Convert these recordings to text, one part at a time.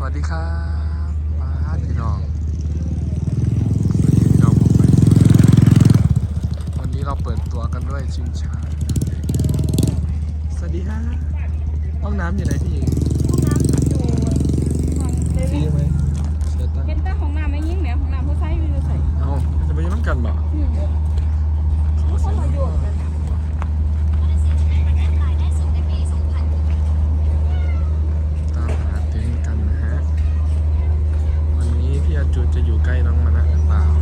วัสดีครับป้าพี่น้องวันนี้เราเปิดตัวกันด้วยชิงช้าสวัสดีครับห้องน้ำอยู่ไหนพี่หญิงห้องน้ำอยู่ห้องเซฟรีเว่นไหมเสียตังค์เห็นแต่ห้องน้ำไม่ยิ่งเนี่ยห้องน้ำผู้ชายอยู่ใส่เอาจะไปยืนน้ำกันบ่เขาขอประโยชน์กันตามหาเต็นท์กันนะฮะวันนี้พี่อาจูจะอยู่ใกล้น้องมานะหรือเปล่า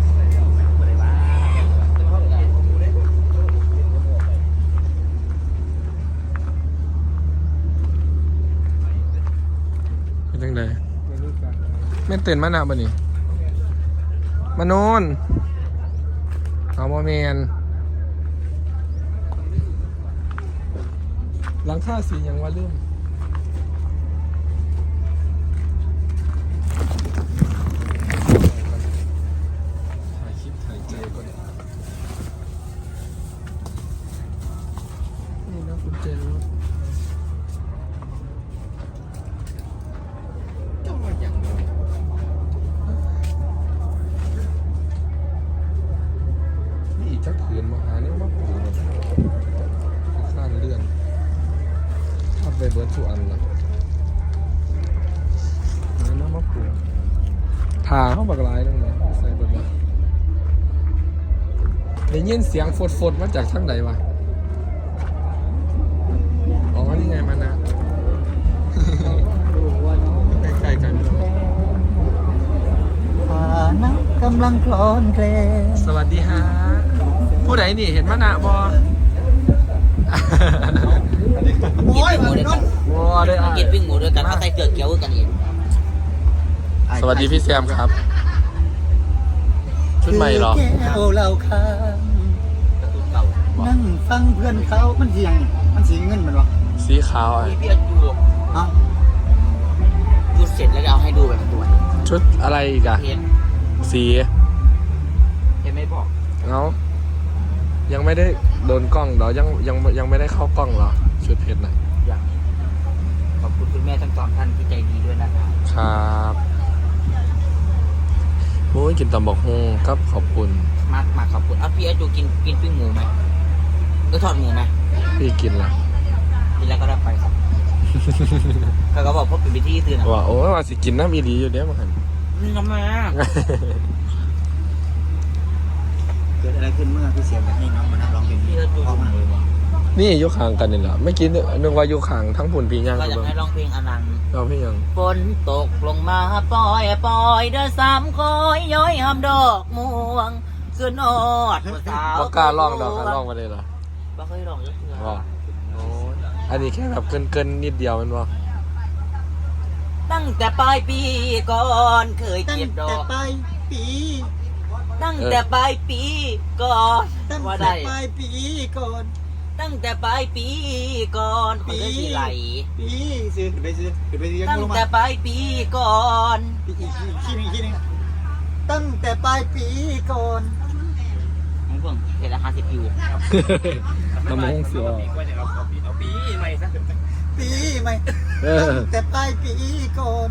เป็นยังไงไม่เต้นมาหนาบ่นี่มาโนนเอาโมเมนหลังค่าสีอย่างว่าเรื่องถ่ายคลิปถ่ายใจก่อนนี่นะคุณเจรถจังหวะอย่างนี่อีกจักขืนมาหาเนี่ยมาปูนะข้างเลื่อนทับไปเบิร์ดสุอันละนั่นน้ำมะปูผ่าเข้าปากลายนั่นเลยใส่เบิร์ดละได้ยินเสียงฟดมาจากทางใดวะอ๋อนี่ไงมานะ ใกล้ๆกันผ่านักกำลังคลอนเคลงสวัสดีฮะผู้ใดนี่เห็นมานะบอโอ้ยหมูด้วยกันวอได้อ่ะกินปิ้งหมูด้วยกันเขาใส่เกลือเกี๊ยวกันอีกสวัสดีพี่แซมครับ ชุดใหม่เหรอแก้วเหล้าค้างกระตุ้นเก่านั่งฟังเพื่อนเขามันเสียงมันสีเงินมันวะสีขาวอ่ะพี่อาจูเอ้าดูเสร็จแล้วเอาให้ดูแบบตัวชุดอะไรอีกอะเห็นสีเห็นไม่บอกเอ้ายังไม่ได้โดนกล้องเหรอยังไม่ได้เข้ากล้องเหรอชุดเพชรน่ะอย่างขอบคุณคุณแม่ทั้งสองท่านที่ใจดีด้วยนะครับครับโอ้ยกินตำบักฮงครับขอบคุณมาขอบคุณพี่อาจูกินปิ้งหมูไหมก็ทอดหมูไหมพี่กินละกินแล้วก็ได้ไปครับเขาก็บอกพบเป็นพิธีตื่นว่าโอ้ยว่าสิกินน้ำอีหลีอยู่เด้มาหันนี่ทำไมเกิดอะไรขึ้นเมื่อพี่เสียงให้น้องมานั่งร้องเพลงพี่อาจูออกมานี่อยู่ข้างกันนี่แหละไม่อกินนึกว่าอยู่ข้างทั้งผุนปีย่างก็กันอยากบ้างให้ร้องเพลงอนันต์เราพี่ยังฝนตกลงมาปล่อยเด้อสามคอยย้อยหำดอกม่วงขึ้นอดผู้สาวบ่กล้าร้องดอกกันร้องมาเลยเหรอบ่เคยร้องเลยว่าโอ้ยอันนี้แค่แบบเกินนิดเดียวมันว่าตั้งแต่ปลายปีก่อนเคยตั้งเก็บดอแต่กปลายปีตั้งแต่ปลายปีก่อนตั้งว่าแต่ได้ปลายปีก่อนตั้งแต่ปลายปีก่อนปีคนสิไหลปีซื้อขึ้นไปยังตั้งลงมาแต่ปลายปีก่อนอีกทีนึงตั้งแต่ปลายปีก่อนมึงเพิ่งเห็นละ50วิวน้ำมงเสียปีใหม่เออตั้งแต่ปลายปีก่อน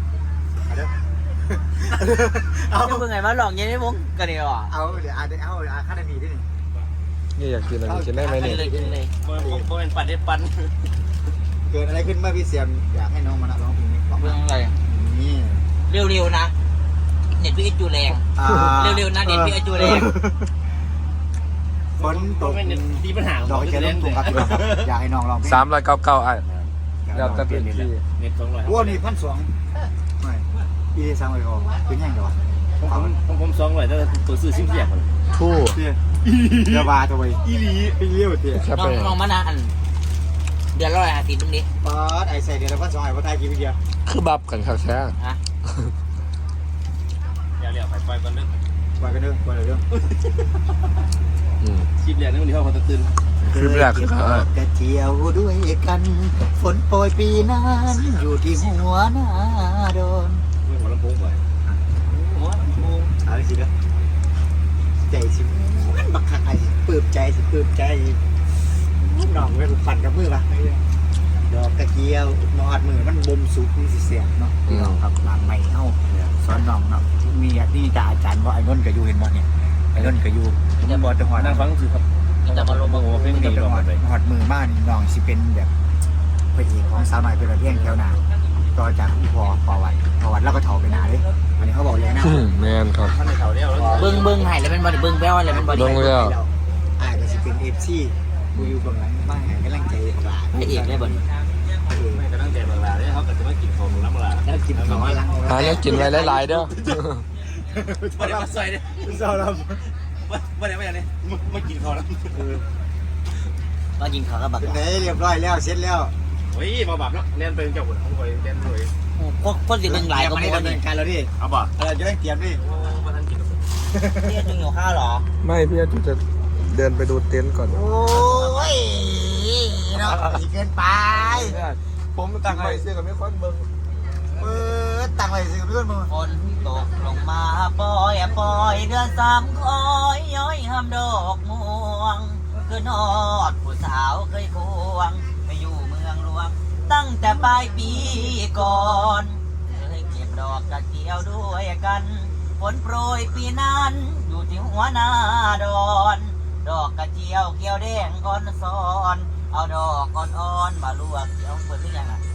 เอาจะเพิ่งไงมาลองยังไงมึงกันนี่หรอเอาเดี๋ยวเอาค่านาทีด้วยนี่นี่อยากกินอะไรกินได้ไหมกิเนี่นยเลยกินเลยโมเป็นปัดได้ปันเกิดอะไรขึ้นเมื่อพี่เสียมอยากให้น้องมาร้องเพลงนี้ร้องเพิ่งอะไรนี่เร็วๆนะเน็ตพี่ไอจูแรง เร็วๆนะเน็ตพี่ไอจูแรงฝนตกเป็นมีปัญหาดอกเจริญตุงครับอยากให้น้องร้องเพลง 399อ่ะแล้วแต่เป็นที่เน็ต200 วัวนี่1,200ไม่ปีสามร้อยออกเป็นยังไงวะผม200แต่ตัวซื้อซิมเสียบทู่เตี้ยเดี๋ยวบาทเอาไว้อีหลีไปเลี้ยวเตี้ยแค่ลไปองมานะอันเดือนละ150มึงดิบาทไอ้ใส่เดี๋ยวเรา1,200ว่าไทยกี่วิเดียวคือบับกันครับแท้ฮะอย่าเหลี่ยวไปก่อนเรื่องปล่อยกันเด้อปล่อยเลยเด้ออืมคลิปแรกนึกว่าเขาจะตื่นคลิปแรกคือเขากระเจียวด้วยกันฝนโปรยปีนั้นอยู่ที่หัวหน้าโดนไม่หัวลำโพงไปเอาสิเด้อใจสิมันบักคักไอ้สิปลื้มใจน้องไว้ปั่นกับมือป่ะดอกกระเจียวมอดมือมันบ่มสุกมันสิแซ่บเนาะพี่น้องครับหลังใหม่เฮาสอนน้องเนาะมีนี่จะอาจารย์บ่ไอ้นนท์ก็อยู่เห็นบ่เนี่ยไอ้นนท์ก็อยู่ผมบ่จะหอดนั่งฟังคือครับแต่มาลงโอ้โหเพลงดีจะลองหอกัดนไปหอดมือมานี่น้องสิเป็นแบบพระเอกของสาวน้อยเป็นระเบียงแถวหน้าต่อจากพี่พอวัดแล้วก็เฒ่าไปหน้าเด้อันนี้เขาบอกเลยนะแมนครับท่านในเขาเนี่ยแล้วเบิ้งให้แล้วเป็นบอดี้เบิ้งแป้วอะไรเป็นบอดี้เบิ่งแล้วอาจจะสิเป็น FC กูอยู่เบื้องหลังมาให้กำลังใจหลานพระเอกเลยบอดี้ไม่กระตั้งใจบางลาเนี่ยเขาก็จะมากินของน้ำลาแล้วกินของหลังหาแล้วกินไว้หลายๆเด้อไม่ได้มาใส่เนี่ยเศร้าแล้วไม่ได้เนี่ยมากินของแล้วมากินข้าวกับบักเป็นไงเรียบร้อยแล้วเสร็จแล้วเฮ้ยมาแบบแล้วเล่นเป็นเจ้าหุ่นของคอยเล่นเลยคนสิเบิ้งหลายก็ไม่มูได้นดำเนินการแล้วดิเอาบ่จะได้เตรียมดิมาท่านกินเรียกดึงอยู่ข้าวหรอไม่พี่อาจุจะเดินไปดูเต็นท์ก่อนโอ้ยเนาะอีกเกินไปผมตั้งไว้เสื้อกับไม่ค่อยเบิ่งตั้งไว้สิเพื่อนมึงฝนตกลงมาปล่อยเดือนสามคอยย้อยห้ามดอกม่วงคือนอดผู้สาวเคยควงไปอยู่เมืองหลวงตั้งแต่ปลายปีก่อนเคยเก็บดอกกระเจียวด้วยกันฝนโปรยปีนั้นอยู่ที่หัวหน้าดอนดอกกระเจียวเกี่ยวแดงอ่อนซ้อนเอาดอกอ่อนๆมาลวกเกี่ยวเปิดหรือยังอ่ะ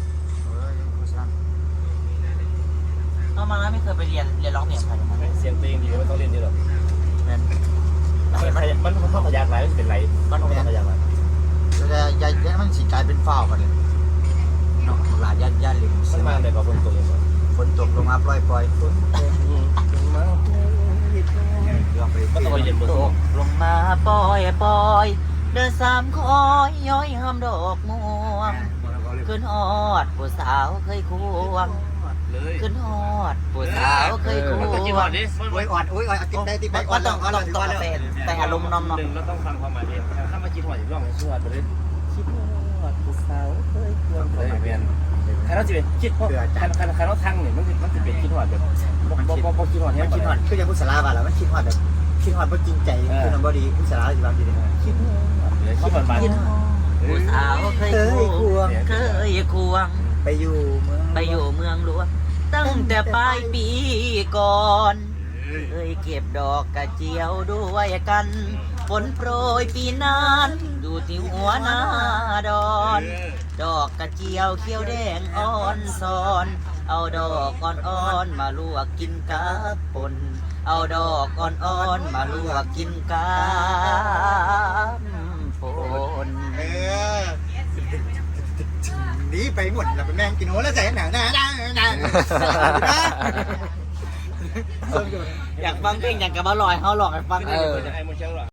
เอามาไม่เคยไปเรียนร้องเพลงใครมาเสียงเพลงดีไม่ต้องเล่นเยอะหรอกนั่นมันต้องขยักไหลมันเป็นไรมันต้องขยักไหลจะมันสิกลายเป็นฝ้าวกันเลยเนาะหลานญาติเลยมันมาเลยกับคนตัวเองฝนตกลงมาปล่อยฝนเรื่องไปก็ต้องไปเย็นบนตกลงมาปล่อยเดินสามคอยย้อยห้ามดอกม่วงขึ้นฮอดผู้สาวเคยควงเลยขึ้นฮอดผู้สาวเคยควมันงกี่วันดิโอ้ยอดโอ้ยติดได้ติดก็ต้องแต่อารมณ์น้อมหนึ่งเราต้องฟังความหมายเองถ้ามาคิดหัวอย่างร่องชื่อว่าไปเลยคิดหัวผู้สาวเคยควงเลยเวียนใครเราจะเป็นคิดหัวใครเราทั้งเนี่ยมันจะเป็นคิดหัวแบบบ่คิดหัวมัเนี่ยนคิดฮอดคือยังพุทธลาบาแล้วมันคิดฮอดแบบคิดฮอดบ่จริงใจคือมันบ่ดีพุทธลาสิบางทีเนี่ยคิดคิดมันๆขึ้นฮอดผู้สาวเคยควงเคยควงไปอยู่เมืองไปอยู่เมืองหลวงตั้งแต่ปลายปีก่อนเคยเก็บดอกกระเจียวด้วยกันฝนโปรยปีนั้นอยู่ที่หัวหน้าดอนดอกกระเจียวเขียวแดงอ่อนซ้อน เอาดอกอ่อนๆมาลวกกินกับป่นเอาดอกอ่อนๆมาลวกกินกับป่นหนีไปหมดแล้วเป็นแมงกินโหแล้วใส่หนังนะอยากฟังเพลงอยากกับอร่อยเขาหลอกให้ฟังไอ้โมเชลหรอ